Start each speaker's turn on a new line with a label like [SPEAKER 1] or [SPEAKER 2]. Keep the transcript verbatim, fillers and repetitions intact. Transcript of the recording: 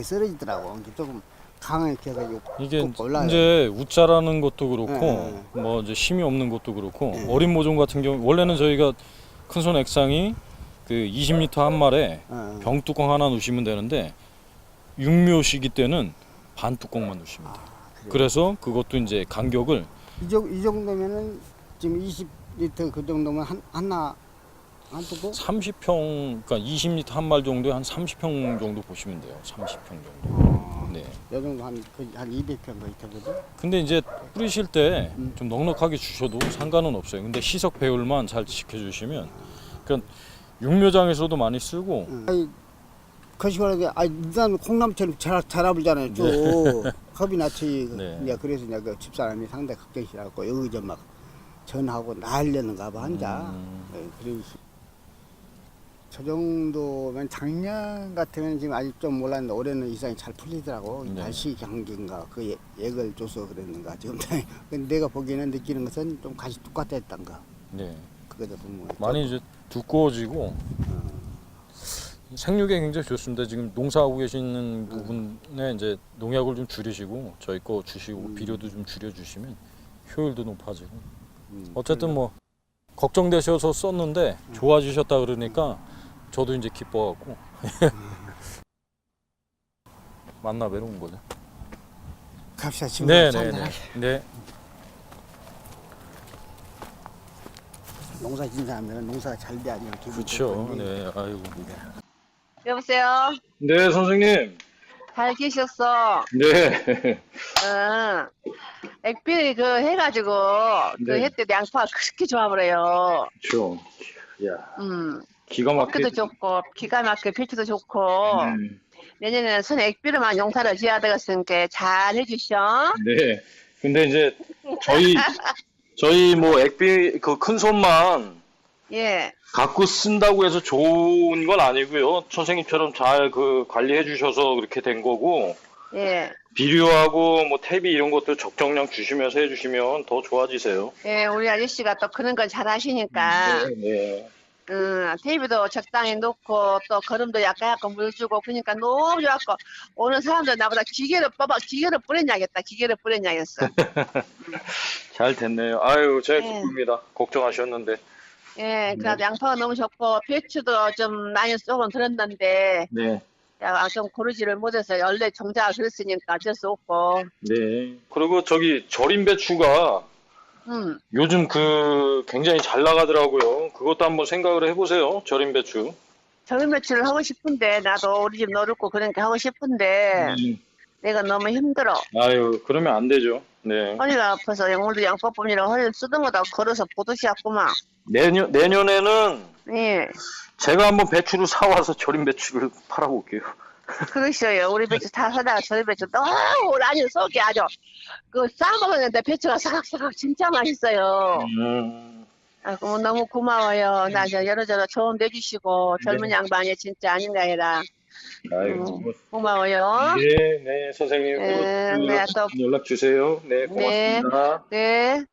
[SPEAKER 1] 거의 쓰러지더라고. 이제 조금 강하게 해가지고
[SPEAKER 2] 이게
[SPEAKER 1] 꼭 올라요.
[SPEAKER 2] 이제 우짜라는 것도 그렇고
[SPEAKER 1] 네,
[SPEAKER 2] 뭐 이제 힘이 없는 것도 그렇고
[SPEAKER 1] 네.
[SPEAKER 2] 어린 모종 같은 경우 원래는 저희가 큰손 액상이 그 이십 리터 한 말에
[SPEAKER 1] 어.
[SPEAKER 2] 병뚜껑 하나 넣으시면 되는데 육묘시기 때는 반 뚜껑만 넣으시면 돼요.
[SPEAKER 1] 아, 그래요?
[SPEAKER 2] 그래서 그것도 이제 간격을
[SPEAKER 1] 이, 정, 이 정도면은 지금 이십 리터 그 정도면 한 하나 한 뚜껑?
[SPEAKER 2] 삼십 평, 그러니까 이십 리터 한 말 정도에 한 삼십 평 정도 보시면 돼요. 삼십 평 정도.
[SPEAKER 1] 어,
[SPEAKER 2] 네.
[SPEAKER 1] 요 정도 한, 그, 한 이백 평 거의 되거든.
[SPEAKER 2] 근데 이제 뿌리실 때
[SPEAKER 1] 음.
[SPEAKER 2] 좀 넉넉하게 주셔도 상관은 없어요. 근데 시석 배율만 잘 지켜주시면, 그러니까 육묘장에서도 많이 쓰고.
[SPEAKER 1] 응. 아니, 거시원하게, 아, 일단 콩나물처럼 잘, 잘 아불잖아요, 쭉. 겁이 났지.
[SPEAKER 2] 네.
[SPEAKER 1] 이제 그래서 이제 그 집사람이 상당히 걱정시라고 여기 저 막 전하고 날려는가 봐, 혼자.
[SPEAKER 2] 음.
[SPEAKER 1] 네, 그래서 저 정도면 작년 같으면 지금 아직 좀 몰랐는데 올해는 이상이 잘 풀리더라고.
[SPEAKER 2] 네.
[SPEAKER 1] 날씨 경기인가 그 예- 액을 줘서 그랬는가 지금. 근데 내가 보기에는 느끼는 것은 좀 같이 똑같았던가.
[SPEAKER 2] 네.
[SPEAKER 1] 그거다 보면
[SPEAKER 2] 많이 이제 두꺼워지고 생육에 굉장히 좋습니다. 지금 농사하고 계시는 부분에 이제 농약을 좀 줄이시고 저희 거 주시고
[SPEAKER 1] 음.
[SPEAKER 2] 비료도 좀 줄여주시면 효율도 높아지고.
[SPEAKER 1] 음,
[SPEAKER 2] 어쨌든 뭐 걱정되셔서 썼는데 좋아지셨다 그러니까 저도 이제 기뻐갖고 만나 뵈러 온 거죠.
[SPEAKER 1] 갑시다 지금.
[SPEAKER 2] 네네네. 네.
[SPEAKER 1] 농사 짓는 사람들은 농사가 잘 돼야 그냥 기분
[SPEAKER 2] 그렇죠.
[SPEAKER 1] 좋거든요.
[SPEAKER 2] 네. 아이고.
[SPEAKER 3] 여보세요?
[SPEAKER 2] 네, 선생님.
[SPEAKER 3] 잘 계셨어?
[SPEAKER 2] 네.
[SPEAKER 3] 응. 액비 그 해가지고 그
[SPEAKER 2] 네.
[SPEAKER 3] 해 때 양파 그렇게 좋아 버려요.
[SPEAKER 2] 그렇죠. 야,
[SPEAKER 3] 음.
[SPEAKER 2] 기가
[SPEAKER 3] 꽃기도
[SPEAKER 2] 막히게.
[SPEAKER 3] 좋고 기가 막히게 필치도 좋고
[SPEAKER 2] 네.
[SPEAKER 3] 내년에는 선 액비로만 용사를 지어야 되겠으니까 잘 해주셔.
[SPEAKER 2] 네. 근데 이제 저희 저희 뭐 액비 그 큰 손만
[SPEAKER 3] 예.
[SPEAKER 2] 갖고 쓴다고 해서 좋은 건 아니고요. 선생님처럼 잘 그 관리해 주셔서 그렇게 된 거고
[SPEAKER 3] 예.
[SPEAKER 2] 비료하고 뭐 퇴비 이런 것도 적정량 주시면서 해 주시면 더 좋아지세요.
[SPEAKER 3] 예, 우리 아저씨가 또 그런 걸 잘 하시니까
[SPEAKER 2] 네.
[SPEAKER 3] 음, 테이프도 적당히 놓고 또 거름도 약간 약간 물 주고 그러니까 너무 좋았고 오는 사람들 나보다 기계를 뽑아 기계를 뿌렸냐겠다 기계를 뿌렸냐겠어.
[SPEAKER 2] 잘 됐네요. 아유, 제가
[SPEAKER 3] 네.
[SPEAKER 2] 기쁩니다. 걱정하셨는데.
[SPEAKER 3] 예, 그래도 양파가 너무 좋고 배추도 좀 많이 조금 들었는데
[SPEAKER 2] 네.
[SPEAKER 3] 야, 좀 고르지를 못해서 원래 종자가 그랬으니까 어쩔 수 없고
[SPEAKER 2] 네. 그리고 저기 절임 배추가
[SPEAKER 3] 음,
[SPEAKER 2] 요즘 그 굉장히 잘 나가더라고요. 그것도 한번 생각을 해보세요. 절임 배추.
[SPEAKER 3] 절임 배추를 하고 싶은데 나도 우리 집 노릇고 그러니까 하고 싶은데
[SPEAKER 2] 음.
[SPEAKER 3] 내가 너무 힘들어.
[SPEAKER 2] 아유, 그러면 안 되죠. 네.
[SPEAKER 3] 허리가 아파서 오늘도 양파 뽑느라 허리를 쓰다보다 걸어서 보듯이 왔구만.
[SPEAKER 2] 내년, 내년에는
[SPEAKER 3] 예.
[SPEAKER 2] 제가 한번 배추를 사와서 절임 배추를 팔아볼게요.
[SPEAKER 3] 그러셔요. 우리 배추 다 사다가 저희 배추 너무 아주 속이 아주 그 싸먹었는데 배추가 사각사각 진짜 맛있어요.
[SPEAKER 2] 음.
[SPEAKER 3] 아, 그 너무 고마워요. 나 저 여러저러 조언 내주시고 젊은
[SPEAKER 2] 네.
[SPEAKER 3] 양반이 진짜 아닌가 해라.
[SPEAKER 2] 아유,
[SPEAKER 3] 음,
[SPEAKER 2] 뭐.
[SPEAKER 3] 고마워요.
[SPEAKER 2] 네, 네, 선생님.
[SPEAKER 3] 네,
[SPEAKER 2] 또
[SPEAKER 3] 네, 또,
[SPEAKER 2] 연락 주세요. 네,
[SPEAKER 3] 네,
[SPEAKER 2] 고맙습니다.
[SPEAKER 3] 네.